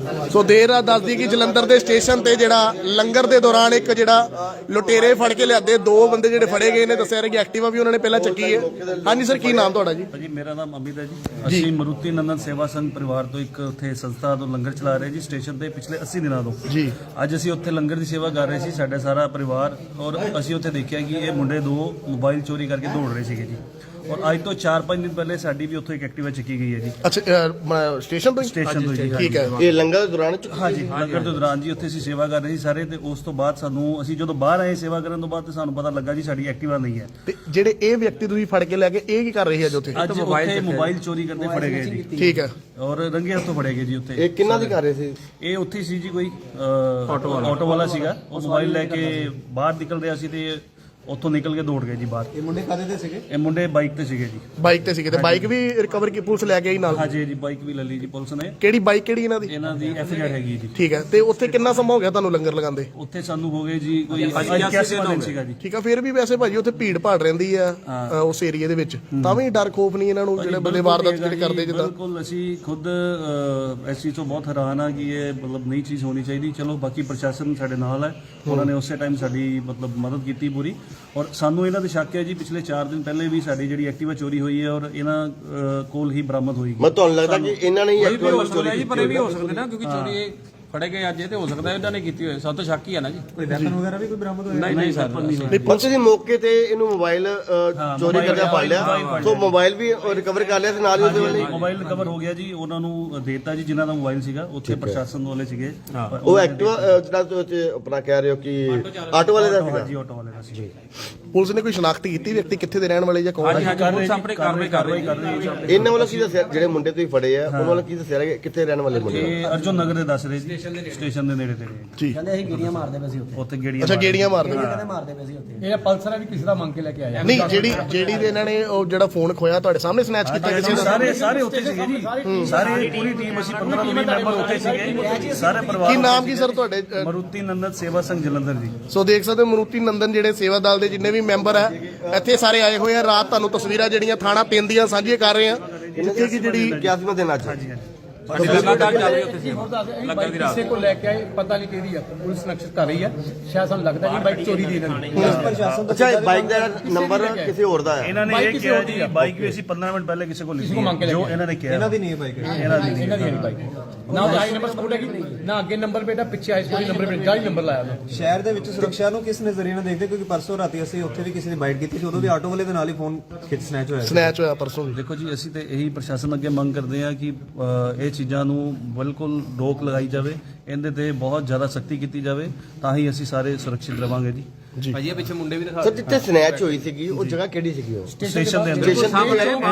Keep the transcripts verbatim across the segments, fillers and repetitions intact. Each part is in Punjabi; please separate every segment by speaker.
Speaker 1: ਸੋ ਦੇਰ ਰਾਤ ਦੱਸਦੀ ਕਿ ਜਲੰਧਰ ਦੇ ਸਟੇਸ਼ਨ ਤੇ ਜਿਹੜਾ ਲੰਗਰ ਦੇ ਦੌਰਾਨ ਇੱਕ ਜਿਹੜਾ ਲੁਟੇਰੇ ਫੜ ਕੇ ਲਿਆਦੇ ਦੋ ਬੰਦੇ ਜਿਹੜੇ ਫੜੇ ਗਏ ਨੇ ਦੱਸਿਆ ਰਿਹਾ ਕਿ ਐਕਟਿਵਾ ਵੀ ਉਹਨਾਂ ਨੇ ਪਹਿਲਾਂ ਚੱਕੀ ਹੈ। ਹਾਂਜੀ ਸਰ, ਕੀ ਨਾਮ ਤੁਹਾਡਾ ਜੀ?
Speaker 2: ਜੀ ਮੇਰਾ ਨਾਮ ਅਮਿਤ ਹੈ ਜੀ। ਅਸੀਂ ਮਰੂਤੀ ਨੰਦਨ ਸੇਵਾ ਸੰਘ ਪਰਿਵਾਰ ਤੋਂ ਇੱਕ ਉੱਥੇ ਸੰਸਥਾ ਤੋਂ ਲੰਗਰ ਚਲਾ ਰਹੇ ਜੀ ਸਟੇਸ਼ਨ ਤੇ ਪਿਛਲੇ अस्सी ਦਿਨਾਂ ਤੋਂ ਜੀ। ਅੱਜ ਅਸੀਂ ਉੱਥੇ ਲੰਗਰ ਦੀ ਸੇਵਾ ਕਰ ਰਹੇ ਸੀ, ਸਾਡਾ ਸਾਰਾ ਪਰਿਵਾਰ, ਔਰ ਅਸੀਂ ਉੱਥੇ ਦੇਖਿਆ ਕਿ ਇਹ ਮੁੰਡੇ ਦੋ ਮੋਬਾਈਲ ਚੋਰੀ ਕਰਕੇ ਦੌੜ ਰਹੇ ਸੀਗੇ ਜੀ। और आज तो चार पाँच दिन पहले साड़ी भी उत्थे एक एक्टिवा चुकी गई है जी।
Speaker 1: अच्छा, स्टेशन तो
Speaker 2: स्टेशन तो जी
Speaker 1: ठीक है।
Speaker 3: ये लंगर ਦੇ ਦੌਰਾਨ
Speaker 2: हाँ जी, लंगर ਦੇ ਦੌਰਾਨ ਜੀ ਉੱਥੇ ਅਸੀਂ ਸੇਵਾ ਕਰ ਰਹੇ ਸੀ ਸਾਰੇ, ਤੇ ਉਸ ਤੋਂ ਬਾਅਦ ਸਾਨੂੰ ਅਸੀਂ ਜਦੋਂ ਬਾਹਰ ਆਏ ਸੇਵਾ ਕਰਨ ਤੋਂ ਬਾਅਦ ਤੇ ਸਾਨੂੰ ਪਤਾ ਲੱਗਾ ਜੀ ਸਾਡੀ ਐਕਟਿਵਾ ਨਹੀਂ ਹੈ।
Speaker 1: ਤੇ ਜਿਹੜੇ ਇਹ ਵਿਅਕਤੀ ਤੁਸੀਂ ਫੜ ਕੇ ਲੈ ਕੇ ਇਹ ਕੀ ਕਰ ਰਹੇ ਅੱਜ ਉੱਥੇ?
Speaker 2: ਅੱਜ ਉੱਥੇ ਮੋਬਾਈਲ ਚੋਰੀ ਕਰਦੇ ਫੜੇ ਗਏ ਜੀ।
Speaker 1: ਠੀਕ ਹੈ।
Speaker 2: ਔਰ ਰੰਗੇ ਹੱਥੋਂ ਫੜੇ ਗਏ ਜੀ ਉੱਥੇ।
Speaker 3: ਇਹ ਕਿੰਨਾ ਦੀ ਕਰ ਰਹੇ ਸੀ?
Speaker 2: ਇਹ ਉੱਥੇ ਸੀ ਜੀ ਕੋਈ ਆਟੋ ਵਾਲਾ ਆਟੋ ਵਾਲਾ ਸੀਗਾ, ਉਹ ਮੋਬਾਈਲ ਲੈ ਕੇ ਬਾਹਰ ਨਿਕਲ ਰਿਹਾ ਸੀ ਤੇ ਉੱਥੋਂ ਨਿਕਲ ਕੇ ਦੌੜ ਗਏ ਜੀ ਬਾਹਰ।
Speaker 3: ਇਹ ਮੁੰਡੇ ਕਾਦੇ ਤੇ ਸੀਗੇ?
Speaker 2: ਇਹ ਮੁੰਡੇ ਬਾਈਕ ਤੇ ਸੀਗੇ ਜੀ।
Speaker 1: ਬਾਈਕ ਤੇ ਸੀਗੇ ਤੇ ਬਾਈਕ ਵੀ ਰਿਕਵਰ ਕੀ ਪੁਲਿਸ ਲੈ ਕੇ ਆਈ ਨਾਲ?
Speaker 2: ਹਾਂਜੀ ਜੀ, ਬਾਈਕ ਵੀ ਲੈ ਲਈ ਜੀ ਪੁਲਿਸ ਨੇ।
Speaker 1: ਕਿਹੜੀ ਬਾਈਕ ਕਿਹੜੀ ਇਹਨਾਂ ਦੀ?
Speaker 2: ਇਹਨਾਂ ਦੀ ਐਫ ਆਈ ਹੈਗੀ ਜੀ।
Speaker 1: ਠੀਕ ਹੈ। ਤੇ ਉੱਥੇ ਕਿੰਨਾ ਸਮਾਂ ਹੋ ਗਿਆ ਤੁਹਾਨੂੰ ਲੰਗਰ ਲਗਾਉਂਦੇ?
Speaker 2: ਉੱਥੇ ਸਾਨੂੰ ਹੋ ਗਏ ਜੀ ਕੋਈ ਇਕਿਆਸੀ ਦਿਨ ਸੀਗਾ ਜੀ।
Speaker 1: ਠੀਕ ਆ। ਫਿਰ ਵੀ ਵੈਸੇ ਭਾਜੀ ਉੱਥੇ ਭੀੜ ਭਾੜ ਰਹਿੰਦੀ ਆ ਉਸ ਏਰੀਆ ਦੇ ਵਿੱਚ, ਤਾਂ ਵੀ ਡਰ ਖੋਫ ਨਹੀਂ ਇਹਨਾਂ ਨੂੰ ਜਿਹੜੇ ਬੰਦੇ ਵਾਰਦਾਤ ਜਿਹੜੇ ਕਰਦੇ ਜਿੱਦਾਂ?
Speaker 2: ਬਿਲਕੁਲ, ਅਸੀਂ ਖੁਦ ਇਸ ਚੀਜ਼ ਤੋਂ ਬਹੁਤ ਹੈਰਾਨ ਆ ਕਿ ਇਹ ਮਤਲਬ ਨਈ ਚੀਜ਼ ਹੋਣੀ ਚਾਹੀਦੀ। ਚਲੋ ਬਾਕੀ ਪ੍ਰਸ਼ਾਸਨ ਸਾਡੇ ਨਾਲ ਹੈ, ਉਹਨਾਂ ਨੇ ਉਸੇ ਟਾਈਮ ਸਾਡੀ ਮਤਲਬ ਮਦਦ ਕੀਤੀ ਪੂਰੀ। ਔਰ ਸਾਨੂੰ ਇਹਨਾਂ ਦੇ ਸ਼ੱਕ ਹੈ ਜੀ ਪਿਛਲੇ ਚਾਰ ਦਿਨ ਪਹਿਲੇ ਵੀ ਸਾਡੀ ਜਿਹੜੀ ਐਕਟਿਵਾ ਚੋਰੀ ਹੋਈ ਹੈ ਔਰ ਇਹਨਾਂ ਕੋਲ ਹੀ ਬਰਾਮਦ ਹੋਈ।
Speaker 3: ਮੈਂ ਤੁਹਾਨੂੰ ਲੱਗਦਾ ਕਿ ਇਹਨਾਂ ਨੇ ਹੀ ਐਕਟਿਵਾ ਚੋਰੀ ਕੀਤੀ?
Speaker 4: ਪਰ ਇਹ ਵੀ ਹੋ ਸਕਦਾ ਨਾ, ਕਿਉਂਕਿ ਚੋਰੀ ਇਹ ਫੜੇ ਗਏ ਅੱਜ, ਇਹ ਤੇ ਹੋ ਸਕਦਾ ਇਹਨਾਂ ਨੇ ਕੀਤੀ ਹੋਏ। ਸਭ ਤੋਂ ਸ਼ੱਕ ਹੀ ਹੈ ਨਾ ਜੀ। ਕੋਈ ਵੈਪਨ ਵਗੈਰਾ ਵੀ ਕੋਈ ਬਰਾਮਦ ਹੋਇਆ? ਨਹੀਂ ਨਹੀਂ ਸਰ,
Speaker 3: ਪੁਲਿਸ ਨੇ ਮੌਕੇ ਤੇ ਇਹਨੂੰ ਮੋਬਾਈਲ ਚੋਰੀ ਕਰਦਾ ਫੜ ਲਿਆ, ਸੋ ਮੋਬਾਈਲ ਵੀ ਰਿਕਵਰ ਕਰ ਲਿਆ ਤੇ ਨਾਲ ਹੀ ਉਹਦੇ ਵਾਲੇ
Speaker 2: ਮੋਬਾਈਲ ਰਿਕਵਰ ਹੋ ਗਿਆ ਜੀ। ਉਹਨਾਂ ਨੂੰ ਦੇਤਾ ਜੀ ਜਿਨ੍ਹਾਂ ਦਾ ਮੋਬਾਈਲ ਸੀਗਾ, ਉੱਥੇ ਪ੍ਰਸ਼ਾਸਨ ਵਾਲੇ ਸੀਗੇ।
Speaker 3: ਉਹ ਐਕਟਿਵਾ ਜਿਹੜਾ ਤੁਸੀਂ ਆਪਣਾ ਕਹਿ ਰਹੇ ਹੋ ਕਿ ਆਟੋ ਵਾਲੇ ਦਾ ਸੀਗਾ?
Speaker 2: ਜੀ, ਆਟੋ ਵਾਲੇ ਦਾ ਸੀ।
Speaker 1: ਪੁਲਿਸ ਨੇ ਕੋਈ ਸ਼ਨਾਖਤ ਕੀਤੀ ਵਿਅਕਤੀ ਕਿੱਥੇ ਦੇ ਰਹਿਣ ਵਾਲੇ ਜਾਂ ਕੌਣ ਹੈ?
Speaker 4: ਪੁਲਿਸ ਆਪਣੀ ਕਾਰਵਾਈ ਕਰ ਰਹੀ ਹੈ।
Speaker 3: ਇਹਨਾਂ ਵੱਲੋਂ ਕੀ ਦੱਸਿਆ ਜਿਹੜੇ ਮੁੰਡੇ ਤੁਸੀਂ ਫੜੇ ਆ ਉਹਨਾਂ ਵੱਲੋਂ ਕੀ ਦੱਸਿਆ ਕਿੱਥੇ ਰਹਿਣ ਵਾਲੇ ਮੁੰਡੇ?
Speaker 2: ਇਹ ਅਰਜੁਨ ਨਗਰ ਦੇ ਦੱਸ ਰਹੇ ਜੀ, ਸਟੇਸ਼ਨ ਦੇ ਨੇੜੇ ਤੇੜੇ
Speaker 1: ਜੀ।
Speaker 5: ਕਹਿੰਦੇ ਅਸੀਂ ਗੇੜੀਆਂ ਮਾਰਦੇ ਪਏ ਸੀ ਉੱਥੇ।
Speaker 2: ਉੱਥੇ ਗੇੜੀਆਂ
Speaker 1: ਅੱਛਾ, ਗੇੜੀਆਂ ਮਾਰਦੇ
Speaker 5: ਕਹਿੰਦੇ ਮਾਰਦੇ ਪਏ ਸੀ ਉੱਥੇ।
Speaker 4: ਇਹ ਪਲਸਰ ਵੀ ਕਿਸੇ ਦਾ ਮੰਗ ਕੇ ਲੈ ਕੇ ਆਇਆ।
Speaker 1: ਨਹੀਂ, ਜਿਹੜੀ ਜਿਹੜੀ ਦੇ ਇਹਨਾਂ ਨੇ ਉਹ ਜਿਹੜਾ ਫੋਨ ਖੋਇਆ ਤੁਹਾਡੇ ਸਾਹਮਣੇ ਸਨੈਚ ਕੀਤਾ ਕਿਸੇ ਦਾ?
Speaker 2: ਸਾਰੇ ਸਾਰੇ ਉੱਥੇ ਸੀਗੇ ਜੀ, ਸਾਰੇ ਪੂਰੀ ਟੀਮ, ਅਸੀਂ ਪੰਦਰਾਂ ਤੋਂ ਵੀਹ ਮੈਂਬਰ ਉੱਥੇ ਸੀਗੇ, ਸਾਰੇ ਪਰਿਵਾਰ।
Speaker 1: ਕੀ ਨਾਮ ਕੀ ਸਰ ਤੁਹਾਡੇ?
Speaker 2: ਮਰੂਤੀ ਨੰਦਨ ਸੇਵਾ ਸੰਘ ਜਲੰਧਰ ਜੀ।
Speaker 1: ਸੋ ਦੇਖ ਸਕਦੇ ਹੋ ਮਰੂਤੀ ਨੰਦਨ ਜਿਹੜੇ ਸੇਵਾ ਦਲ ਦੇ ਜਿੰਨੇ ਵੀ ਮੈਂਬਰ ਹੈ ਇੱਥੇ ਸਾਰੇ ਆਏ ਹੋਏ ਆ। ਰਾਤ ਤੁਹਾਨੂੰ ਤਸਵੀਰਾਂ ਜਿਹੜੀਆਂ ਥਾਣਾ ਤਿੰਨ ਦੀਆਂ ਸਾਂਝੀਆਂ ਕਰ ਰਹੇ ਆ, ਜਿੱਥੇ ਕਿ ਜਿਹੜੀ
Speaker 3: ਇਕਿਆਸੀਵਾਂ ਦਿਨ ਅੱਜ
Speaker 4: ਲਗਾਤਾਰ ਚੱਲ ਰਹੀ ਉੱਥੇ ਲੰਗਰ ਦੀ ਰਾਤ। ਕਿਸੇ ਕੋ ਲੈ ਕੇ ਆਏ, ਪਤਾ ਨਹੀਂ ਕਿਹਦੀ ਆ, ਪੁਲਿਸ ਨਕਸ਼ਤ ਕਰ ਰਹੀ ਹੈ। ਸ਼ਾਇਦ ਸਾਨੂੰ ਲੱਗਦਾ ਕਿ ਬਾਈਕ ਚੋਰੀ ਦੀ ਇਹਨਾਂ ਦੀ।
Speaker 3: ਅੱਛਾ, ਬਾਈਕ ਦਾ ਨੰਬਰ ਕਿਸੇ ਹੋਰ ਦਾ ਹੈ?
Speaker 2: ਇਹਨਾਂ ਨੇ ਇਹ ਕਿਹਾ ਜੀ ਬਾਈਕ ਵੀ ਅਸੀਂ ਪੰਦਰਾਂ ਮਿੰਟ ਪਹਿਲੇ ਕਿਸੇ ਕੋਲ ਲਿਖੀ ਜੋ ਇਹਨਾਂ ਨੇ ਕਿਹਾ।
Speaker 4: ਇਹਨਾਂ ਦੀ ਨਹੀਂ ਹੈ ਬਾਈਕ, ਇਹਨਾਂ ਦੀ ਇਹਨਾਂ ਦੀ ਨਹੀਂ ਬਾਈਕ। ਨਾ ਉਹ ਆਈ ਨੰਬਰ ਸਕੂਟ ਹੈਗੀ, ਨਾ ਅੱਗੇ ਨੰਬਰ ਪਲੇਟ, ਪਿੱਛੇ ਆਈ ਸਕੂਟ ਨੰਬਰ ਪਲੇਟ, ਗਾੜੀ ਨੰਬਰ ਲਾਇਆ ਉਹਨੇ।
Speaker 6: ਸ਼ਹਿਰ ਦੇ ਵਿੱਚ ਸੁਰੱਖਿਆ ਨੂੰ ਕਿਸ ਨਜ਼ਰੀਏ ਨਾਲ ਦੇਖਦੇ? ਕਿਉਂਕਿ ਪਰਸੋਂ ਰਾਤੀ ਅਸੀਂ ਉੱਥੇ ਵੀ ਕਿਸੇ ਦੀ ਬਾਈਟ ਕੀਤੀ ਸੀ, ਉਦੋਂ ਵੀ ਆਟੋ ਵਾਲੇ ਦੇ ਨਾਲ ਹੀ ਫੋਨ ਖਿੱਚ ਸਨੈਚ ਹੋਇਆ
Speaker 1: ਸਨੈਚ ਹੋਇਆ ਪਰਸੋਂ ਵੀ।
Speaker 2: ਦੇਖੋ ਜੀ, ਅਸੀਂ ਤੇ ਇਹੀ ਪ੍ਰਸ਼ਾਸਨ ਅੱਗੇ ਮੰਗ ਕਰਦੇ ਹਾਂ ਕਿ ਇਹ ਚੀਜ਼ਾਂ ਨੂੰ ਬਿਲਕੁਲ ਰੋਕ ਲਗਾਈ ਜਾਵੇ, ਇਹਦੇ ਤੇ ਬਹੁਤ ਜ਼ਿਆਦਾ ਸਖਤੀ ਕੀਤੀ ਜਾਵੇ, ਤਾਂ ਹੀ ਅਸੀਂ ਸਾਰੇ ਸੁਰੱਖਿਅਤ ਰਵਾਂਗੇ ਜੀ।
Speaker 1: ਜੀ
Speaker 4: ਭਾਜੀ ਪਿੱਛੇ ਮੁੰਡੇ ਵੀ ਦਿਖਾ।
Speaker 3: ਸਰ, ਜਿੱਥੇ ਸਨੈਚ ਹੋਈ ਸੀਗੀ ਉਹ ਜਗ੍ਹਾ ਕਿਹੜੀ ਸੀਗੀ? ਉਹ
Speaker 2: ਸਟੇਸ਼ਨ ਦੇ ਅੰਦਰ
Speaker 3: ਸਟੇਸ਼ਨ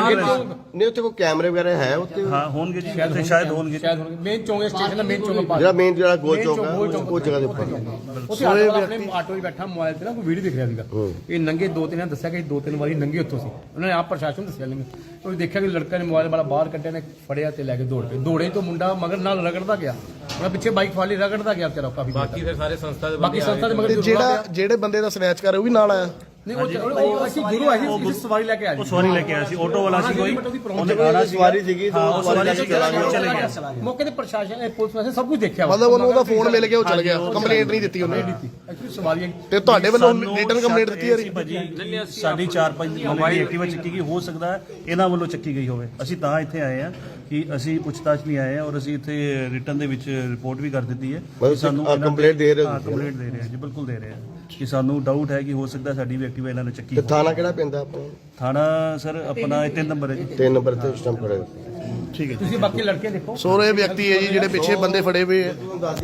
Speaker 3: ਨਹੀਂ, ਉੱਥੇ ਕੋਈ ਕੈਮਰੇ ਵਗੈਰਾ ਹੈ ਉੱਥੇ?
Speaker 2: ਹਾਂ ਹੋਣਗੇ ਜੀ, ਉੱਥੇ ਸ਼ਾਇਦ ਹੋਣਗੇ।
Speaker 4: ਸ਼ਾਇਦ ਮੇਨ ਚੌਂਕ ਸਟੇਸ਼ਨ ਦਾ ਮੇਨ ਚੌਂਕ
Speaker 3: ਜਿਹੜਾ ਮੇਨ ਜਿਹੜਾ ਗੋਲ ਚੌਕ ਹੈ ਉਹ ਜਗ੍ਹਾ ਦੇ ਉੱਪਰ।
Speaker 4: ਉੱਥੇ ਆਟੋ ਵਾਲਾ ਆਪਣੇ ਆਟੋ 'ਚ ਬੈਠਾ ਮੋਬਾਈਲ ਤੇ ਨਾ ਕੋਈ ਵੀਡੀਓ ਦਿਖ ਰਿਹਾ ਸੀਗਾ। ਇਹ ਨੰਗੇ ਦੋ ਤਿੰਨ ਦੱਸਿਆ ਕਿ ਦੋ ਤਿੰਨ ਵਾਰੀ ਨੰਗੇ ਉੱਥੋਂ ਸੀ। ਉਹਨਾਂ ਨੇ ਆਪ ਪ੍ਰਸ਼ਾਸਨ ਦੱਸਿਆ ਨਹੀਂ। ਉਹ ਦੇਖਿਆ ਕਿ ਲੜਕਾ ਨੇ ਮੋਬਾਈਲ ਵਾਲਾ ਬਾਹਰ ਕੱਢਿਆ ਨੇ, ਫੜਿਆ ਤੇ ਲੈ ਕੇ ਦੌੜ ਪਏ। ਦੌੜੇ ਤੋਂ ਮੁੰਡਾ ਮਗਰ ਨਾਲ ਰਗੜਦਾ ਗਿਆ, ਉਹਨਾਂ ਪਿੱਛੇ ਬਾਈਕ ਫਾਲੀ ਰਗੜਦਾ ਗਿਆ ਵਿਚਾਰਾ ਕਾਫੀ। ਬਾਕੀ ਫਿਰ ਸਾਰੇ ਸੰਸਥਾ ਦੇ ਬਾਕੀ ਸੰਸਥਾ ਦੇ ਮਗਰ
Speaker 1: ਜਿਹੜਾ ਜਿਹੜੇ ਬੰਦੇ ਦਾ ਸਨੈਚ ਕਰ ਉਹ ਵੀ ਨਾਲ ਆਇਆ?
Speaker 4: ਨਹੀਂ, ਉਹ ਅਸੀਂ ਗੁਰੂ ਆਏ ਸੀ, ਸਵਾਰੀ ਲੈ ਕੇ ਆਏ।
Speaker 2: ਉਹ ਸਵਾਰੀ ਲੈ ਕੇ ਆਇਆ ਸੀ, ਆਟੋ ਵਾਲਾ ਸੀ ਕੋਈ, ਉਹਨੇ ਆਣਾ ਸੀ,
Speaker 3: ਸਵਾਰੀ ਸੀਗੀ,
Speaker 2: ਉਹ ਸਵਾਰੀ ਲੈ ਕੇ ਚਲੇ ਗਿਆ।
Speaker 4: ਮੌਕੇ ਤੇ ਪ੍ਰਸ਼ਾਸਨ ਪੁਲਿਸ ਵਾਲੇ ਸਭ ਕੁਝ ਦੇਖਿਆ,
Speaker 1: ਮਤਲਬ ਉਹਨੂੰ ਉਹਦਾ ਫੋਨ ਮਿਲ ਗਿਆ, ਉਹ ਚਲ ਗਿਆ, ਕੰਪਲੇਂਟ ਨਹੀਂ ਦਿੱਤੀ ਉਹਨੇ।
Speaker 4: ਐਕਚੁਅਲੀ ਸਵਾਰੀਆਂ
Speaker 1: ਤੇ ਤੁਹਾਡੇ ਵੱਲੋਂ ਰਿਟਨ ਕੰਪਲੇਂਟ ਦਿੱਤੀ ਹੈ?
Speaker 2: ਭਾਜੀ ਸਾਡੀ ਚਾਰ ਪੰਜ ਮੋਬਾਈਲ ਐਕਟਿਵਾ ਚੱਕੀ ਗਈ, ਹੋ ਸਕਦਾ ਹੈ ਇਹਨਾਂ ਵੱਲੋਂ ਚੱਕੀ ਗਈ ਹੋਵੇ। ਅਸੀਂ ਤਾਂ ਇੱਥੇ ਆਏ ਹਾਂ ਕਿ ਅਸੀਂ ਪੁੱਛਤਾਛ ਨਹੀਂ ਆਏ ਹਾਂ, ਔਰ ਅਸੀਂ ਇੱਥੇ ਰਿਟਨ ਦੇ ਵਿੱਚ ਰਿਪੋਰਟ ਵੀ ਕਰ ਦਿੱਤੀ ਹੈ।
Speaker 3: ਸਾਨੂੰ ਕੰਪਲੇਂਟ ਦੇ ਰਹੇ ਹੋ?
Speaker 2: ਕੰਪਲੇਂਟ ਦੇ ਰਹੇ ਹਾਂ ਜੀ, ਬਿਲਕੁਲ ਦੇ ਰਹੇ ਹਾਂ ਕਿ ਸਾਨੂੰ ਡਾਊਟ ਹੈ ਕਿ ਹੋ ਸਕਦਾ ਸਾਡੀ ਵੀ ਐਕਟਿਵਾ ਇਹਨਾਂ ਨੇ ਚੱਕੀ।
Speaker 3: ਤੇ ਥਾਣਾ ਕਿਹੜਾ ਪੈਂਦਾ ਆਪਣਾ?
Speaker 2: ਥਾਣਾ ਸਰ ਆਪਣਾ ਇਹ ਤਿੰਨ ਨੰਬਰ ਹੈ ਜੀ।
Speaker 3: ਤਿੰਨ ਨੰਬਰ ਤੇ ਸਿਸਟਮ ਖੜੇ।
Speaker 1: ਠੀਕ ਹੈ।
Speaker 4: ਤੁਸੀਂ ਬਾਕੀ ਲੜਕੇ ਦੇਖੋ।
Speaker 1: ਸੋ ਇਹ ਵਿਅਕਤੀ ਹੈ ਜੀ ਜਿਹੜੇ ਪਿੱਛੇ ਬੰਦੇ ਫੜੇ ਹੋਏ ਆ।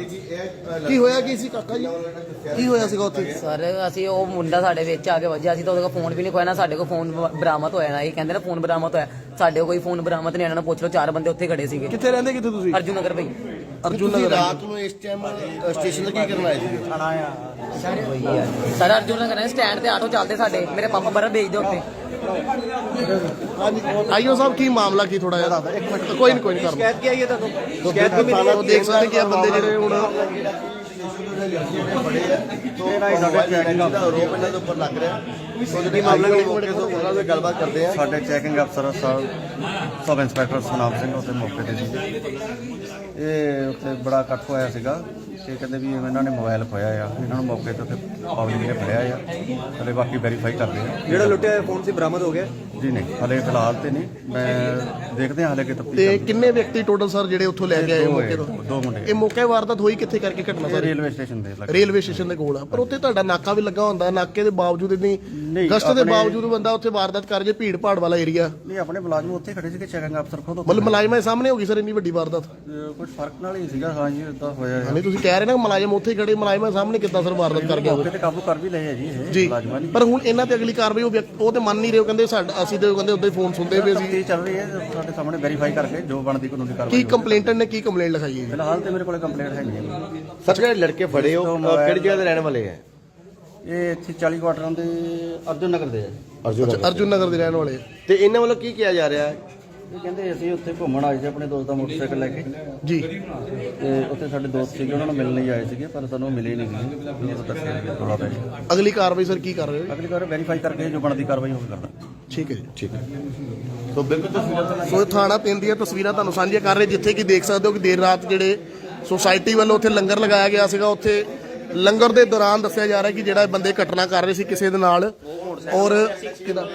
Speaker 1: ਕੀ ਹੋਇਆ ਕੀ ਸੀ ਕਾਕਾ ਜੀ? ਕੀ ਹੋਇਆ ਸੀਗਾ ਉੱਥੇ?
Speaker 5: ਸਰ ਅਸੀਂ ਉਹ ਮੁੰਡਾ ਸਾਡੇ ਵਿੱਚ ਆ ਕੇ ਵੱਜਿਆ ਸੀ ਤਾਂ ਉਹਦੇ ਕੋਲ ਫੋਨ ਵੀ ਨਹੀਂ ਖੋਇਆ, ਨਾ ਸਾਡੇ ਕੋਲ ਫੋਨ ਬਰਾਮਦ ਹੋਇਆ। ਨਾ ਇਹ ਕਹਿੰਦੇ ਨਾ ਫੋਨ ਬਰਾਮਦ ਹੋਇਆ, ਸਾਡੇ ਕੋਲ ਕੋਈ ਫੋਨ ਬਰਾਮਦ ਨਹੀਂ। ਇਹਨਾਂ ਨੂੰ ਪੁੱਛ ਲਓ, ਚਾਰ ਬੰਦੇ ਉੱਥੇ ਖੜੇ ਸੀਗੇ।
Speaker 1: ਕਿੱਥੇ ਰਹਿੰਦੇ ਕਿੱਥੇ ਤੁਸੀਂ?
Speaker 5: ਅਰਜੁਨ ਨਗਰ ਭਾਈ।
Speaker 1: ਅਰਜੁਨ
Speaker 3: ਤੁਸੀਂ
Speaker 1: ਨਗਰ।
Speaker 3: ਰਾਤ ਨੂੰ ਇਸ ਟਾਈਮ ਸਟੇਸ਼ਨ ਤੇ ਕੀ ਕਰਨ ਆਏ ਸੀ?
Speaker 5: ਸਰ ਅਰਜੁਨ ਨਗਰ ਸਟੈਂਡ ਤੇ ਆਟੋ ਚੱਲਦੇ ਸਾਡੇ, ਮੇਰੇ ਪਾਪਾ ਬਰਫ ਵੇਚਦੇ ਉੱਥੇ।
Speaker 1: ਆਈਓ ਸਾਹਿਬ ਕੀ ਮਾਮਲਾ ਕੀ ਥੋੜਾ ਜਿਹਾ? ਕੋਈ ਨਹੀਂ ਕੋਈ ਨਹੀਂ ਕਰ
Speaker 6: ਸ਼ਿਕਾਇਤ ਕੀ ਆਈ ਹੈ ਤੁਹਾਨੂੰ?
Speaker 1: ਸ਼ਿਕਾਇਤ ਵੀ ਮਿਲੀ ਹੈ। ਦੇਖ ਸਕਦੇ ਕਿ ਆ ਬੰਦੇ ਜਿਹੜੇ ਹੁਣ
Speaker 3: ਆਰੋਪ ਇਹਨਾਂ ਦੇ ਉੱਪਰ ਲੱਗ ਰਿਹਾ। ਕੀ ਮਾਮਲਾ ਮੌਕੇ ਤੋਂ ਉਹਨਾਂ ਨਾਲ ਗੱਲਬਾਤ ਕਰਦੇ ਆ।
Speaker 7: ਸਾਡੇ ਚੈਕਿੰਗ ਅਫਸਰ ਸਾਹਿਬ ਸਬ ਇੰਸਪੈਕਟਰ ਸੁਨਾਮ ਸਿੰਘ ਉੱਥੇ ਮੌਕੇ ਤੇ ਸੀ। ਇਹ ਉੱਥੇ ਬੜਾ ਇਕੱਠ ਹੋਇਆ ਸੀਗਾ ਤੇ ਕਹਿੰਦੇ ਵੀ ਇਹਨਾਂ ਨੇ ਮੋਬਾਈਲ ਖੋਇਆ ਆ, ਇਹਨਾਂ ਨੂੰ ਮੌਕੇ ਤੇ ਉੱਥੇ ਪਬਲਿਕ ਨੇ ਫੜਿਆ ਆ, ਹਲੇ ਬਾਕੀ ਵੈਰੀਫਾਈ ਕਰਦੇ ਆ।
Speaker 6: ਜਿਹੜਾ ਲੁੱਟਿਆ ਹੋਇਆ ਫੋਨ ਸੀ ਬਰਾਮਦ ਹੋ ਗਿਆ?
Speaker 7: ਜੀ ਨਹੀਂ, ਹਲੇ ਫਿਲਹਾਲ ਤੇ ਨਹੀਂ, ਮੈਂ ਦੇਖਦੇ ਹਾਂ ਹਲੇ ਕਿ ਤਫਤੀਸ਼
Speaker 1: ਤੇ ਕਿੰਨੇ ਵਿਅਕਤੀ ਟੋਟਲ ਸਰ ਜਿਹੜੇ ਉੱਥੋਂ ਲੈ ਕੇ ਆਏ ਮੌਕੇ ਤੋਂ?
Speaker 7: ਦੋ ਮੁੰਡੇ
Speaker 1: ਇਹ ਮੌਕੇ ਵਾਰਦਾਤ ਹੋਈ ਕਿੱਥੇ ਕਰਕੇ ਘਟਨਾ ਸਰ?
Speaker 7: ਰੇਲਵੇ ਸਟੇਸ਼ਨ ਦੇ ਲੱਗੇ।
Speaker 1: ਰੇਲਵੇ ਸਟੇਸ਼ਨ ਦੇ ਕੋਲ ਆ, ਪਰ ਉੱਥੇ ਤੁਹਾਡਾ ਨਾਕਾ ਵੀ ਲੱਗਾ ਹੁੰਦਾ, ਨਾਕੇ ਦੇ ਬਾਵਜੂਦ ਇੰਨੀ
Speaker 7: ਨਹੀਂ,
Speaker 1: ਗਸ਼ਤ ਦੇ
Speaker 7: ਆਪਣੇ-
Speaker 1: ਬਾਵਜੂਦ ਬੰਦਾ ਉੱਥੇ ਵਾਰਦਾਤ ਕਰ ਜੇ, ਭੀੜ ਭਾੜ ਵਾਲਾ ਏਰੀਆ।
Speaker 7: ਨਹੀਂ, ਆਪਣੇ ਮੁਲਾਜ਼ਮ ਉੱਥੇ ਖੜੇ ਸੀਗੇ, ਚੈਕਿੰਗ ਅਫਸਰ ਖੁਦ ਉੱਥੇ
Speaker 1: ਮਤਲਬ ਮੁਲਾਜ਼ਮਾਂ ਦੇ ਸਾਹਮਣੇ ਹੋ ਗਈ ਸਰ ਇੰਨੀ ਵੱਡੀ ਵਾਰਦਾਤ?
Speaker 7: ਅਹ ਕੁਝ ਫਰਕ ਨਾਲ ਹੀ ਸੀਗਾ। ਹਾਂ ਜੀ, ਇਦਾਂ ਹੋਇਆ ਹੈ।
Speaker 1: ਨਹੀਂ ਤੁਸੀਂ ਕਹਿ ਰਹੇ ਨਾ ਮੁਲਾਜ਼ਮ ਉੱਥੇ ਖੜੇ, ਮੁਲਾਜ਼ਮਾਂ ਦੇ ਸਾਹਮਣੇ ਕਿੱਦਾਂ ਸਰ ਵਾਰਦਾਤ ਕਰ ਗਿਆ?
Speaker 7: ਮੌਕੇ ਤੇ ਕਾਬੂ ਕਰ ਵੀ ਲਏ ਹੈ ਜੀ ਇਹ
Speaker 1: ਜੀ,
Speaker 7: ਮੁਲਾਜ਼ਮਾਂ ਨੇ।
Speaker 1: ਪਰ ਹੁਣ ਇਹਨਾਂ ਤੇ ਅਗਲੀ ਕਾਰਵਾਈ ਉਹ ਵਿਅਕ- ਉਹ ਤੇ ਮੰਨ ਨਹੀਂ ਰਹੇ, ਉਹ ਕਹਿੰਦੇ ਸਾਡਾ ਅਸੀਂ ਤੇ ਕਹਿੰਦੇ ਉੱਦਾਂ ਹੀ ਫੋਨ ਸੁਣਦੇ ਪਏ ਸੀ।
Speaker 7: ਤਫਤੀਸ਼ ਚੱਲ ਰਹੀ ਹੈ, ਸਾਡੇ ਸਾਹਮਣੇ ਵੈਰੀਫਾਈ ਕਰਕੇ ਜੋ ਬਣਦੀ ਕਾਨੂੰਨੀ ਕਾਰਵਾਈ
Speaker 1: ਕੀ ਕੰਪਲੇਂਟਰ ਨੇ ਕੀ ਕੰਪਲੇਂਟ ਲਿਖਾਈ ਹੈ ਜੀ?
Speaker 7: ਫਿਲਹਾਲ ਤੇ ਮੇਰੇ ਕੋਲੇ ਕੰਪਲੇਂਟ ਹੈ ਨਹੀਂ।
Speaker 3: ਸਰ ਜਿਹੜੇ ਲੜਕੇ ਫੜੇ ਹੋ ਅਹ, ਕਿਹੜੀ ਜਗ੍ਹਾ ਦੇ ਰਹਿਣ ਵਾਲੇ ਹੈ?
Speaker 7: ਇਹ ਇੱਥੇ ਚਾਲੀ ਕੁਆਟਰਾਂ ਦੇ ਅਰਜੁਨ ਨਗਰ ਦੇ ਹੈ।
Speaker 3: ਅਰਜੁਨ
Speaker 1: ਅੱਛਾ, ਅਰਜੁਨ ਨਗਰ ਦੇ ਰਹਿਣ ਵਾਲੇ।
Speaker 3: ਤੇ ਇਹਨਾਂ ਵੱਲੋਂ ਕੀ ਕਿਹਾ ਜਾ ਰਿਹਾ ਹੈ?
Speaker 7: ਇਹ ਕਹਿੰਦੇ ਅਸੀਂ ਉੱਥੇ ਘੁੰਮਣ ਆਏ ਸੀ ਆਪਣੇ ਦੋਸਤ ਦਾ ਮੋਟਰਸਾਈਕਲ ਲੈ ਕੇ,
Speaker 1: ਜੀ,
Speaker 7: ਤੇ ਉੱਥੇ ਸਾਡੇ ਦੋਸਤ ਸੀਗੇ, ਉਹਨਾਂ ਨੂੰ ਮਿਲਣ ਲਈ ਆਏ ਸੀਗੇ, ਪਰ ਸਾਨੂੰ ਮਿਲੇ ਨਹੀਂ ਸੀਗੇ। ਉਹ ਤਾਂ ਦੱਸਿਆ ਨਹੀਂ ਥੋੜਾ ਪੈ।
Speaker 1: ਅਗਲੀ ਕਾਰਵਾਈ ਸਰ ਕੀ ਕਰ ਰਹੇ ਹੋ?
Speaker 7: ਅਗਲੀ ਵਾਰ ਵੈਰੀਫਾਈ ਕਰਕੇ ਜੋ ਬਣਦੀ ਕਾਰਵਾਈ ਉਹ ਕਰਦਾ।
Speaker 1: ਠੀਕ ਹੈ ਜੀ, ਠੀਕ ਹੈ।
Speaker 3: ਸੋ ਬਿਲਕੁਲ ਤਸਵੀਰਾਂ
Speaker 1: ਸੋ ਇਹ ਥਾਣਾ ਤਿੰਨ ਦੀਆਂ ਤਸਵੀਰਾਂ ਤੁਹਾਨੂੰ ਸਾਂਝੀਆਂ ਕਰ ਰਹੇ, ਜਿੱਥੇ ਕਿ ਦੇਖ ਸਕਦੇ ਹੋ ਕਿ ਦੇਰ ਰਾਤ ਜਿਹੜੇ ਸੁਸਾਇਟੀ ਵੱਲੋਂ ਉੱਥੇ ਲੰਗਰ ਲਗਾਇਆ ਗਿਆ ਸੀਗਾ, ਉੱਥੇ ਲੰਗਰ ਦੇ ਦੌਰਾਨ ਦੱਸਿਆ ਜਾ ਰਿਹਾ ਕਿ ਜਿਹੜਾ ਬੰਦੇ ਘਟਨਾ ਕਰ ਰਹੇ ਸੀ ਕਿਸੇ ਦੇ ਨਾਲ, ਔਰ ਕਿਹਦਾ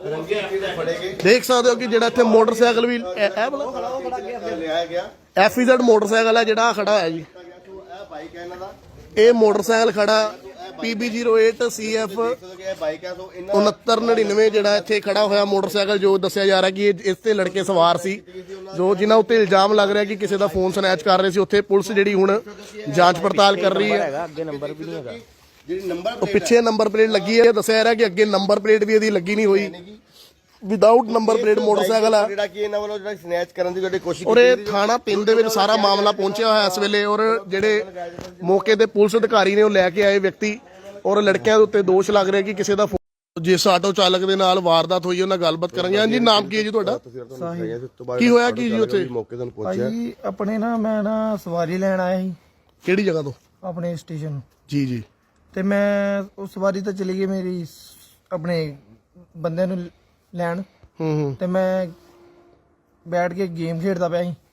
Speaker 1: ਦੇਖ ਸਕਦੇ ਹੋ ਕਿ ਜਿਹੜਾ ਇੱਥੇ ਮੋਟਰਸਾਈਕਲ ਵੀ ਇਹ
Speaker 3: ਲਿਆਇਆ ਗਿਆ
Speaker 1: ਐਫਈਜ਼ੈਡ ਮੋਟਰਸਾਈਕਲ ਹੈ ਜਿਹੜਾ ਖੜਾ ਹੋਇਆ ਜੀ।
Speaker 3: ਇਹ ਬਾਈਕ ਹੈ ਇਹਨਾਂ ਦਾ,
Speaker 1: ਇਹ ਮੋਟਰਸਾਈਕਲ ਖੜਾ ਪੀਬੀ ਜ਼ੀਰੋ ਅੱਠ ਸੀ ਐਫ
Speaker 3: ਇਹ ਬਾਈਕ ਹੈ। ਸੋ ਇਹਨਾਂ
Speaker 1: ਉਨੱਤਰ ਨੜਿਨਵੇਂ ਜਿਹੜਾ ਇੱਥੇ ਖੜਾ ਹੋਇਆ ਮੋਟਰਸਾਈਕਲ, ਜੋ ਦੱਸਿਆ ਜਾ ਰਿਹਾ ਕਿ ਇਹ ਇਸ ਤੇ ਲੜਕੇ ਸਵਾਰ ਸੀ, ਜੋ ਜਿਨ੍ਹਾਂ ਉੱਤੇ ਇਲਜ਼ਾਮ ਲੱਗ ਰਿਹਾ ਕਿ ਕਿਸੇ ਦਾ ਫੋਨ ਸਨੈਚ ਕਰ ਰਹੇ ਸੀ। ਉੱਥੇ ਪੁਲਿਸ ਜਿਹੜੀ ਹੁਣ ਜਾਂਚ ਪੜਤਾਲ ਕਰ ਰਹੀ ਹੈ।
Speaker 3: ਜਿਹੜੀ ਨੰਬਰ
Speaker 1: ਉਹ ਪਿੱਛੇ ਨੰਬਰ ਪਲੇਟ ਲੱਗੀ ਹੈ, ਦੱਸਿਆ ਜਾ ਰਿਹਾ ਕਿ ਅੱਗੇ ਨੰਬਰ ਪਲੇਟ ਵੀ ਇਹਦੀ ਲੱਗੀ ਨਹੀਂ ਹੋਈ, ਵਿਦਆਊਟ ਨੰਬਰ ਪਲੇਟ ਮੋਟਰਸਾਈਕਲ ਆ।
Speaker 3: ਜਿਹੜਾ ਕਿ ਇਹਨਾਂ ਵੱਲੋਂ ਜਿਹੜਾ ਸਨੈਚ ਕਰਨ ਦੀ ਜਿਹੜੀ ਕੋਸ਼ਿਸ਼
Speaker 1: ਔਰ ਇਹ ਥਾਣਾ ਤਿੰਨ ਦੇ ਵਿੱਚ ਸਾਰਾ ਮਾਮਲਾ ਪਹੁੰਚਿਆ ਹੋਇਆ ਇਸ ਵੇਲੇ, ਔਰ ਜਿਹੜੇ ਮੌਕੇ ਤੇ ਪੁਲਿਸ ਅਧਿਕਾਰੀ ਨੇ ਉਹ ਲੈ ਕੇ ਆਏ ਵਿਅਕਤੀ, ਔਰ ਲੜਕਿਆਂ ਦੇ ਉੱਤੇ ਦੋਸ਼ ਲੱਗ ਰਿਹਾ ਕਿ ਕਿਸੇ ਦਾ ਫੋਨ, ਜਿਸ ਆਟੋ ਚਾਲਕ ਦੇ ਨਾਲ ਵਾਰਦਾਤ ਹੋਈ ਉਹਨਾਂ ਗੱਲਬਾਤ ਕਰਾਂਗੇ। ਹਾਂਜੀ, ਨਾਮ ਕੀ ਹੈ ਜੀ ਤੁਹਾਡਾ? ਕੀ ਹੋਇਆ ਕੀ ਜੀ ਉੱਥੇ?
Speaker 3: ਮੌਕੇ ਤੇ ਪਹੁੰਚਿਆ
Speaker 8: ਭਾਈ ਆਪਣੇ ਨਾ ਮੈਂ ਨਾ ਸਵਾਰੀ ਲੈਣ ਆਇਆ ਸੀ
Speaker 1: ਕਿਹੜੀ ਜਗ੍ਹਾ ਤੋਂ?
Speaker 8: ਆਪਣੇ ਸਟੇਸ਼ਨ।
Speaker 1: ਜੀ ਜੀ।
Speaker 8: ਤੇ ਮੈਂ ਉਹ ਸਵਾਰੀ ਤਾਂ ਚਲੀ ਗਈ ਮੇਰੀ ਸ- ਆਪਣੇ ਬੰਦੇ ਨੂੰ ਲੈਣ,
Speaker 1: ਹੂੰ ਹੂੰ।
Speaker 8: ਤੇ ਮੈਂ ਬੈਠ ਕੇ ਗੇਮ ਖੇਡਦਾ ਪਿਆ ਸੀ,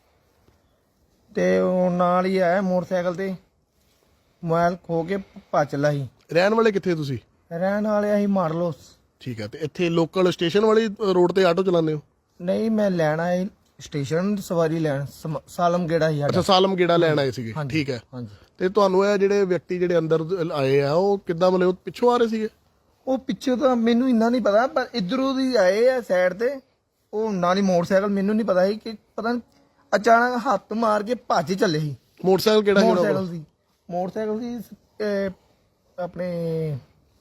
Speaker 8: ਤੇ ਉਹ ਨਾਲ ਹੀ ਆਇਆ ਮੋਟਰਸਾਈਕਲ ਤੇ, ਮੋਬਾਈਲ ਖੋ ਕੇ ਭੱਜ ਚੱਲਾ ਸੀ।
Speaker 1: ਰਹਿਣ ਵਾਲੇ ਕਿੱਥੇ ਤੁਸੀਂ?
Speaker 8: ਰਹਿਣ ਵਾਲੇ ਅਸੀਂ ਮਾਰ ਲੋ।
Speaker 1: ਠੀਕ ਹੈ। ਤੇ ਇੱਥੇ ਲੋਕਲ ਸਟੇਸ਼ਨ ਵਾਲੀ ਰੋਡ ਤੇ ਆਟੋ ਚਲਾਉਂਦੇ ਹੋ?
Speaker 8: ਨਹੀਂ, ਮੈਂ ਲੈਣ ਆਇਆ ਸੀ ਸਟੇਸ਼ਨ ਸਵਾਰੀ ਲੈਣ, ਸਮ- ਸਾਲਮ ਗੇੜਾ ਸੀ
Speaker 1: ਅੱਛਾ,
Speaker 8: ਸਾਡਾ।
Speaker 1: ਸਾਲਮ ਗੇੜਾ ਲੈਣ ਆਏ ਸੀਗੇ।
Speaker 8: ਹਾਂਜੀ,
Speaker 1: ਠੀਕ ਹੈ।
Speaker 8: ਹਾਂਜੀ।
Speaker 1: ਤੇ ਤੁਹਾਨੂੰ ਇਹ ਜਿਹੜੇ ਵਿਅਕਤੀ ਜਿਹੜੇ ਅੰਦਰ ਆਏ ਆ ਉਹ ਕਿੱਦਾਂ ਮਤਲਬ ਪਿੱਛੋਂ ਆ ਰਹੇ ਸੀਗੇ?
Speaker 8: ਉਹ ਪਿੱਛੇ ਤਾਂ ਮੈਨੂੰ ਇੰਨਾ ਨਹੀਂ ਪਤਾ, ਪਰ ਇਧਰੋਂ ਦੀ ਆਏ ਆ ਸਾਈਡ ਤੇ, ਉਹ ਨਾਲ ਹੀ ਮੋਟਰਸਾਈਕਲ, ਮੈਨੂੰ ਨਹੀਂ ਪਤਾ ਸੀ ਕਿ ਪਤਾ ਨੀ ਅਚਾਨਕ ਹੱਥ ਮਾਰ ਕੇ ਭੱਜ ਚੱਲੇ ਸੀ।
Speaker 1: ਮੋਟਰਸਾਈਕਲ ਕਿਹੜਾ ਸੀ ਉਹਨਾਂ ਕੋਲ?
Speaker 8: ਮੋਟਰਸਾਈਕਲ ਸੀ ਮੋਟਰਸਾਈਕਲ ਸੀ ਅਹ, ਆਪਣੇ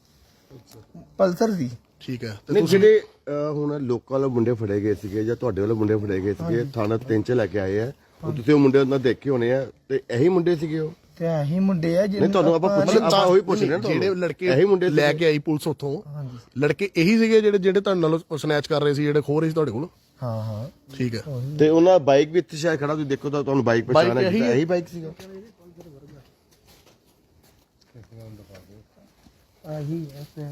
Speaker 8: ਪਲਸਰ ਸੀ।
Speaker 1: ਠੀਕ ਹੈ। ਤੇ
Speaker 3: ਨਹੀਂ,
Speaker 1: ਤੁਸੀਂ
Speaker 3: ਜਿਹੜੇ ਅਹ, ਹੁਣ ਲੋਕਾਂ ਵੱਲੋਂ ਮੁੰਡੇ ਫੜੇ ਗਏ ਸੀਗੇ ਜਾਂ ਤੁਹਾਡੇ ਵੱਲੋਂ ਮੁੰਡੇ ਫੜੇ ਗਏ ਸੀਗੇ, ਥਾਣਾ ਤਿੰਨ ਚ ਲੈ ਕੇ ਆਏ ਆ, ਉਹ ਤੁਸੀਂ ਉਹ ਮੁੰਡੇ ਉਹਨਾਂ ਦੇਖੇ ਹੋਣੇ ਆ, ਤੇ ਇਹੀ ਮੁੰਡੇ ਸੀਗੇ ਉਹ?
Speaker 8: ਤੇ ਇਹੀ ਮੁੰਡੇ ਆ
Speaker 3: ਨਹੀਂ,
Speaker 8: ਜਿਹਨੇ
Speaker 3: ਤੁਹਾਨੂੰ ਆਪਾਂ ਪੁੱਛ ਆਪਾਂ ਉਹੀ ਪੁੱਛ ਰਹੇ ਹਾਂ ਤੁਹਾਨੂੰ।
Speaker 1: ਜਿਹੜੇ ਲੜਕੇ
Speaker 3: ਇਹੀ ਮੁੰਡੇ
Speaker 1: ਲੈ ਕੇ ਆਈ ਪੁਲਿਸ ਉੱਥੋਂ, ਲੜਕੇ ਇਹੀ ਸੀਗੇ ਜਿਹੜੇ ਜਿਹੜੇ ਤੁਹਾਡੇ ਨਾਲ ਸਨੈਚ ਕਰ ਰਹੇ ਸੀ, ਜਿਹੜੇ ਖੋ ਰਹੇ ਸੀ ਤੁਹਾਡੇ ਕੋਲ?
Speaker 8: ਹਾਂ ਹਾਂ।
Speaker 1: ਠੀਕ ਹੈ।
Speaker 3: ਤੇ ਉਹਨਾਂ ਬਾਈਕ ਵੀ ਇੱਥੇ ਸ਼ਾਇਦ ਖੜਾ, ਤੁਸੀਂ ਦੇਖੋ ਤਾਂ ਤੁਹਾਨੂੰ ਬਾਈਕ ਪਛਾਣ
Speaker 1: ਬਾਈਕ
Speaker 3: ਹੈ,
Speaker 1: ਇਹੀ ਹੈ?
Speaker 3: ਇਹੀ ਬਾਈਕ ਸੀਗਾ।
Speaker 8: ਆਹੀ ਐਸੇ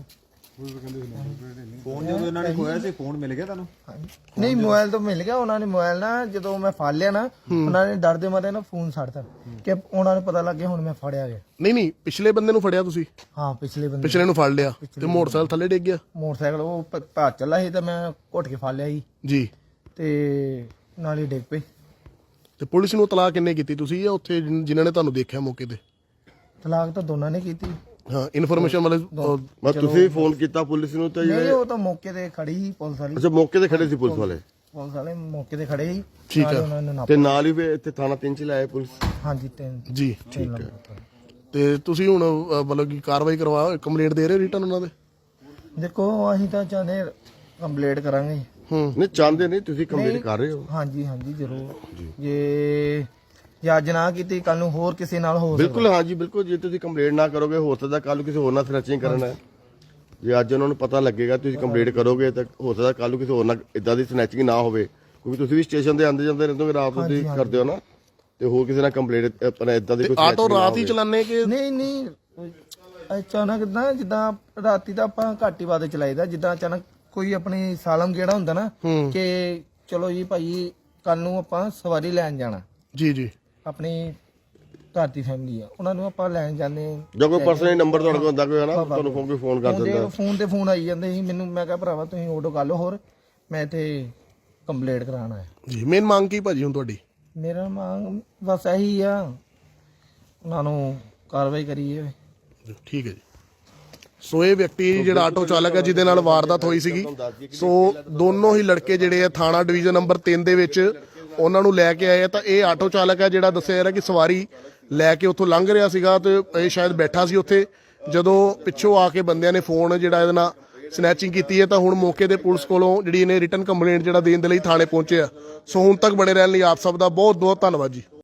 Speaker 6: ਫੋਨ ਜਦੋਂ ਇਹਨਾਂ ਨੇ ਖੋਇਆ ਸੀ, ਫੋਨ ਮਿਲ ਗਿਆ ਤੁਹਾਨੂੰ?
Speaker 8: ਨਹੀਂ, ਮੋਬਾਈਲ ਤਾਂ ਮਿਲ ਗਿਆ ਉਹਨਾਂ ਨੇ। ਮੋਬਾਈਲ ਨਾ ਜਦੋਂ ਮੈਂ ਫੜ ਲਿਆ ਨਾ, ਉਹਨਾਂ ਨੇ ਡਰਦੇ ਮਾਰੇ ਨਾ ਫੋਨ ਛੱਡਤਾ, ਕਿ ਉਹਨਾਂ ਨੂੰ ਪਤਾ ਲੱਗ ਗਿਆ ਹੁਣ ਮੈਂ ਫੜਿਆ ਗਿਆ।
Speaker 1: ਨਹੀਂ ਨਹੀਂ, ਪਿਛਲੇ ਬੰਦੇ ਨੂੰ ਫੜਿਆ ਤੁਸੀਂ?
Speaker 8: ਹਾਂ, ਪਿਛਲੇ ਬੰਦੇ
Speaker 1: ਪਿਛਲੇ ਨੂੰ ਫੜ ਲਿਆ ਤੇ ਮੋਟਰਸਾਈਕਲ ਥੱਲੇ ਡਿੱਗ ਗਿਆ?
Speaker 8: ਮੋਟਰਸਾਈਕਲ ਉਹ ਭ- ਭੱਜ ਚੱਲਾ ਸੀ, ਤੇ ਮੈਂ ਘੁੱਟ ਕੇ ਫੜ ਲਿਆ ਸੀ,
Speaker 1: ਜੀ।
Speaker 8: ਤੇ ਨਾਲ ਹੀ ਡਿੱਗ ਪਈ।
Speaker 1: ਤੇ ਪੁਲਿਸ ਨੂੰ ਤਲਾਕ ਕਿੰਨੇ ਕੀਤੀ ਤੁਸੀਂ ਜਾਂ ਉੱਥੇ ਜਿਨ- ਜਿਨ੍ਹਾਂ ਨੇ ਤੁਹਾਨੂੰ ਦੇਖਿਆ ਮੌਕੇ ਤੇ?
Speaker 8: ਤਲਾਕ ਤਾਂ ਦੋਨਾਂ ਨੇ ਕੀਤੀ।
Speaker 1: ਹਾਂ, ਇਨਫੋਰਮੇਸ਼ਨ ਵਾਲੇ ਅਹ,
Speaker 3: ਮੈਂ ਤੁਸੀਂ ਫੋਨ ਕੀਤਾ ਪੁਲਿਸ ਨੂੰ ਤਾਂ
Speaker 8: ਨਹੀਂ,
Speaker 3: ਜਿਹੜੇ
Speaker 8: ਉਹ ਤਾਂ ਮੌਕੇ ਤੇ ਖੜੀ ਸੀ ਪੁਲਿਸ ਵਾਲੀ।
Speaker 3: ਅੱਛਾ ਮੌਕੇ ਤੇ ਖੜੇ ਸੀ ਪੁਲਿਸ ਵਾਲੇ?
Speaker 8: ਪੁਲਿਸ ਵਾਲੇ ਮੌਕੇ ਤੇ ਖੜੇ ਸੀ।
Speaker 1: ਠੀਕ
Speaker 8: ਨਾਲ
Speaker 1: ਹੈ।
Speaker 8: ਉਹਨਾਂ ਨੇ ਨਾਪ-
Speaker 3: ਤੇ ਨਾਲ ਹੀ ਫਿਰ ਇੱਥੇ ਥਾਣਾ ਤਿੰਨ ਚ ਲਾਏ ਪੁਲਿਸ?
Speaker 8: ਹਾਂਜੀ, ਤਿੰਨ
Speaker 1: ਜੀ।
Speaker 8: ਤਿੰਨ ਨੰਬਰ ਤੋਂ।
Speaker 1: ਤੇ ਤੁਸੀਂ ਹੁਣ ਅਹ, ਮਤਲਬ ਕਿ ਕਾਰਵਾਈ ਕਰਵਾ ਕੰਪਲੇਂਟ ਦੇ ਰਹੇ ਹੋ ਰਿਟਰਨ ਉਹਨਾਂ ਦੇ?
Speaker 8: ਦੇਖੋ, ਅਸੀਂ ਤਾਂ ਚਾਹੁੰਦੇ ਕੰਪਲੀਟ ਕਰਾਂਗੇ।
Speaker 1: ਹੂੰ।
Speaker 3: ਨਹੀਂ ਚਾਹੁੰਦੇ ਨਹੀਂ, ਤੁਸੀਂ ਕੰਪਲੀਟ ਕਰ ਰਹੇ ਹੋ?
Speaker 8: ਹਾਂਜੀ ਹਾਂਜੀ, ਜ਼ਰੂਰ। ਜੇ ਜੇ ਅੱਜ ਨਾ ਕੀਤੀ, ਕੱਲ ਨੂੰ ਹੋਰ ਕਿਸੇ ਨਾਲ ਹੋ ਸਕਦਾ।
Speaker 3: ਬਿਲਕੁਲ, ਹਾਂ ਜੀ ਬਿਲਕੁਲ। ਜੇ ਤੁਸੀਂ ਕੰਪਲੀਟ ਨਾ ਕਰੋਗੇ, ਹੋ ਸਕਦਾ ਕੱਲ ਨੂੰ ਕਿਸੇ ਹੋਰ ਨਾਲ ਸਨੈਚਿੰਗ ਕਰਨਾ ਹੈ। ਜੇ ਅੱਜ ਉਹਨਾਂ ਨੂੰ ਪਤਾ ਲੱਗੇਗਾ ਤੁਸੀਂ ਕੰਪਲੀਟ ਕਰੋਗੇ, ਤਾਂ ਹੋ ਸਕਦਾ ਕੱਲ ਨੂੰ ਕਿਸੇ ਹੋਰ ਨਾਲ ਇਦਾਂ ਦੀ ਸਨੈਚਿੰਗ ਨਾ ਹੋਵੇ, ਕਿਉਂਕਿ ਤੁਸੀਂ ਵੀ ਸਟੇਸ਼ਨ ਦੇ ਆਉਂਦੇ ਜਾਂਦੇ ਰਹਿੰਦੇ ਹੋ, ਰਾਤ ਨੂੰ ਤੁਸੀਂ ਕਰਦੇ ਹੋ ਨਾ, ਤੇ ਹੋਰ ਕਿਸੇ ਨਾਲ ਕੰਪਲੀਟ ਆਪਣਾ ਇਦਾਂ ਦੀ ਕੋਈ
Speaker 1: ਆਟੋ
Speaker 3: snatching ਨਾ
Speaker 1: ਰਾਤ ਹੀ
Speaker 3: ਹੋਵੇ।
Speaker 1: ਚਲਾਨੇ ਕਿ?
Speaker 8: ਨਹੀਂ ਨਹੀਂ, ਅਚਾਨਕ ਨਾ, ਜਿੱਦਾਂ ਰਾਤੀ ਤਾਂ ਆਪਾਂ ਘੱਟ ਹੀ ਬਾਅਦ ਚਲਾਈਦਾ, ਜਿੱਦਾਂ ਅਚਾਨਕ ਕੋਈ ਆਪਣੀ ਸਾਲਮ ਗੇੜਾ ਹੁੰਦਾ ਨਾ, ਕਿ ਚਲੋ ਜੀ ਭਾਈ ਕੱਲ ਨੂੰ ਆਪਾਂ ਸਵਾਰੀ ਲੈਣ ਜਾਣਾ,
Speaker 1: ਜੀ ਜੀ,
Speaker 8: ਆਪਣੀ ਘਰ ਦੀ ਫੈਮਿਲੀ ਆ, ਉਹਨਾਂ ਨੂੰ ਆਪਾਂ ਲੈਣ ਜਾਂਦੇ ਹਾਂ।
Speaker 3: ਜੋ ਕੋਈ ਪਰਸਨਲ ਨੰਬਰ ਤੁਹਾਡੇ ਕੋਲ ਹੁੰਦਾ ਕੋਈ ਹੈ ਨਾ ਤੁਹਾਨੂੰ ਫੋਨ ਕੋਈ ਫੋਨ ਕਰ ਦਿੰਦਾ।
Speaker 8: ਫੋਨ ਤੇ ਫੋਨ ਆਈ ਜਾਂਦੇ ਸੀ ਮੈਨੂੰ, ਮੈਂ ਕਿਹਾ ਭਰਾਵਾ ਤੁਸੀਂ ਆਟੋ ਕਰ ਲਓ, ਹੋਰ ਮੈਂ ਤੇ ਕੰਪਲੇਂਟ ਕਰਾਉਣ ਆਇਆ
Speaker 1: ਜੀ। ਮੇਨ ਮੰਗ ਕੀ ਭਾਜੀ ਹੁਣ ਤੁਹਾਡੀ?
Speaker 8: ਮੇਰਾ ਮੰਗ ਬਸ ਇਹੀ ਆ, ਉਹਨਾਂ ਨੂੰ ਕਾਰਵਾਈ ਕਰੀਏ।
Speaker 1: ਠੀਕ ਹੈ ਜੀ। ਸੋ ਇਹ ਵਿਅਕਤੀ ਜਿਹੜਾ ਆਟੋ ਚਾਲਕ ਹੈ ਜਿਹਦੇ ਨਾਲ ਵਾਰਦਾਤ ਹੋਈ ਸੀਗੀ, ਸੋ ਦੋਨੋਂ ਹੀ ਲੜਕੇ ਜਿਹੜੇ ਆ ਥਾਣਾ ਡਿਵੀਜ਼ਨ ਨੰਬਰ ਤਿੰਨ ਦੇ ਵਿੱਚ ਉਹਨਾਂ ਨੂੰ ਲੈ ਕੇ ਆਏ ਆ। ਤਾਂ ਇਹ ਆਟੋ ਚਾਲਕ ਹੈ ਜਿਹੜਾ ਦੱਸਿਆ ਜਾ ਰਿਹਾ ਕਿ ਸਵਾਰੀ ਲੈ ਕੇ ਉੱਥੋਂ ਲੰਘ ਰਿਹਾ ਸੀਗਾ ਤੇ ਇਹ ਸ਼ਾਇਦ ਬੈਠਾ ਸੀ ਉੱਥੇ, ਜਦੋਂ ਪਿੱਛੋਂ ਆ ਕੇ ਬੰਦਿਆਂ ਨੇ ਫੋਨ ਜਿਹੜਾ ਇਹਦੇ ਨਾਲ ਸਨੈਚਿੰਗ ਕੀਤੀ ਹੈ। ਤਾਂ ਹੁਣ ਮੌਕੇ ਤੇ ਪੁਲਿਸ ਕੋਲੋਂ ਜਿਹੜੀ ਇਹਨੇ ਰਿਟਨ ਕੰਪਲੇਂਟ ਜਿਹੜਾ ਦੇਣ ਦੇ ਲਈ ਥਾਣੇ ਪਹੁੰਚੇ ਆ। ਸੋ ਹੁਣ ਤੱਕ ਬਣੇ ਰਹਿਣ ਲਈ ਆਪ ਸਭ ਦਾ ਬਹੁਤ ਬਹੁਤ ਧੰਨਵਾਦ ਜੀ।